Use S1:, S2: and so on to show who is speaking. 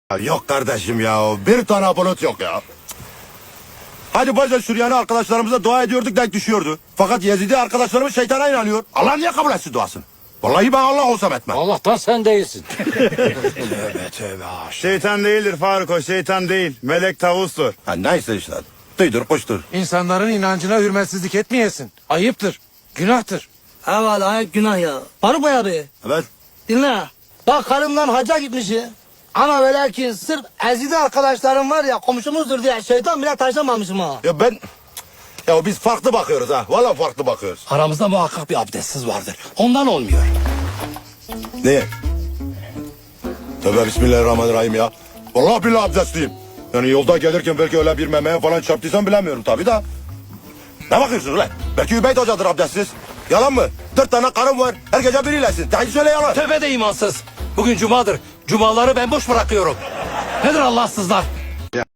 S1: Yok kardeşim ya. Bir tane bulut yok ya. Hadi bazen Süryani arkadaşlarımıza dua ediyorduk, denk düşüyordu. Fakat Yezidi arkadaşlarımız şeytana inanıyor. Allah niye kabul etsin duasını? Vallahi ben Allah olsam etmem.
S2: Allah'tan sen değilsin.
S1: Tövbe tövbe.
S3: Şeytan değildir Faruk, o şeytan değil. Melek tavustur.
S1: Ha, neyse işte. Duydur kuştur.
S4: İnsanların inancına hürmetsizlik etmeyesin. Ayıptır, günahtır.
S5: Evet ayıp günah ya. Faruk Bey abi
S1: Evet.
S5: dinle. Bak karımdan hacca gitmiş ya. Ama ve lakin sırf ezide arkadaşlarım var ya komşumuzdur diye şeytan bile taşlamamışım ha.
S1: Ya ben... Ya biz farklı bakıyoruz ha. Vallahi farklı bakıyoruz.
S2: Aramızda muhakkak bir abdestsiz vardır. Ondan olmuyor.
S1: Niye? Tövbe bismillahirrahmanirrahim ya. Vallahi billahi abdestliyim. Yani yolda gelirken belki öyle bir memeye falan çarptıysam bilemiyorum tabii da. Ne bakıyorsunuz lan? Belki Übeyt Hoca'dır abdestsiz. Yalan mı? 4 tane karım var. Her gece biriylesin. Hadi söyle yalan.
S2: Tövbe de imansız. Bugün cumadır. Cumaları ben boş bırakıyorum. Nedir Allahsızlar?